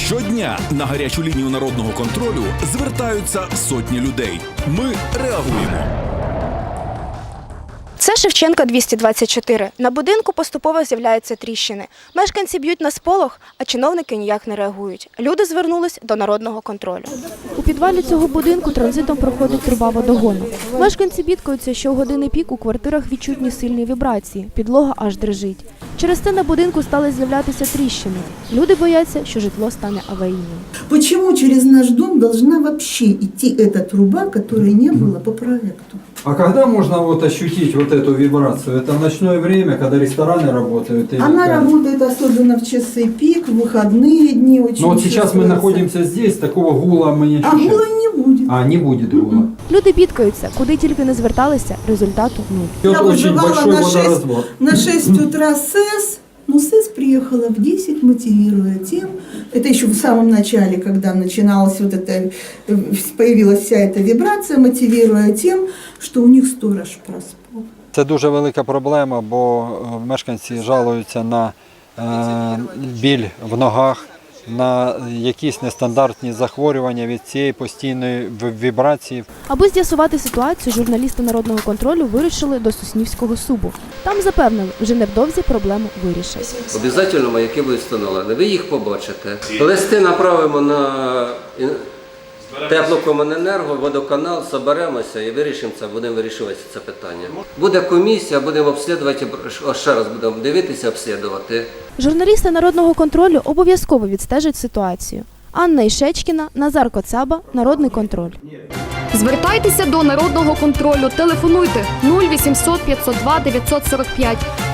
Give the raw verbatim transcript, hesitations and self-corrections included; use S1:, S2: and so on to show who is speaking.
S1: Щодня на гарячу лінію народного контролю звертаються сотні людей. Ми реагуємо.
S2: Це Шевченка двісті двадцять чотири. На будинку поступово з'являються тріщини. Мешканці б'ють на сполох, а чиновники ніяк не реагують. Люди звернулись до народного контролю. У підвалі цього будинку транзитом проходить труба водогону. Мешканці бідкаються, що у години пік у квартирах відчутні сильні вібрації. Підлога аж дрижить. Через це на будинку стали з'являтися тріщини. Люди бояться, що житло стане аварійним.
S3: Почему через наш дом должна вообще идти эта труба, которой не было по проекту?
S4: А когда можно вот ощутить вот эту вибрацию? Это в ночное время, когда рестораны работают? Или
S3: Она
S4: как?
S3: работает особенно в часы пик, в выходные дни очень.
S4: Но вот сейчас мы находимся здесь, такого гула мы не
S3: А
S4: ощущаем.
S3: гула не будет.
S4: А, не будет гула.
S2: Люди бідкаються, куди тільки не зверталися, результату нуль.
S4: Идет
S3: Я
S4: очень
S3: вызывала
S4: большой
S3: на шесть,
S4: водоразвод.
S3: на шесть утра СЭС, но СЭС приехала в десять, мотивируя тем, это еще в самом начале, когда начиналась вот эта, появилась вся эта вибрация, мотивируя тем, что у них сторож проспал.
S4: Це дуже велика проблема, бо е, мешканці жалуються на е, біль в ногах, на якісь нестандартні захворювання від цієї постійної вібрації.
S2: Аби з'ясувати ситуацію, журналісти народного контролю вирушили до Соснівського субу. Там запевнили, вже невдовзі проблему вирішать.
S5: Обов'язково маяки будуть встановлені, ви їх побачите. Листи направимо на теплокомуненерго, водоканал, соберемося і вирішимо це, будемо вирішувати це питання. Буде комісія, будемо обслідувати, ще раз будемо дивитися, обслідувати.
S2: Журналісти народного контролю обов'язково відстежать ситуацію. Анна Ішечкіна, Назар Коцаба, Народний контроль.
S6: Звертайтеся до народного контролю, телефонуйте нуль вісімсот п'ятсот два дев'ятсот сорок п'ять.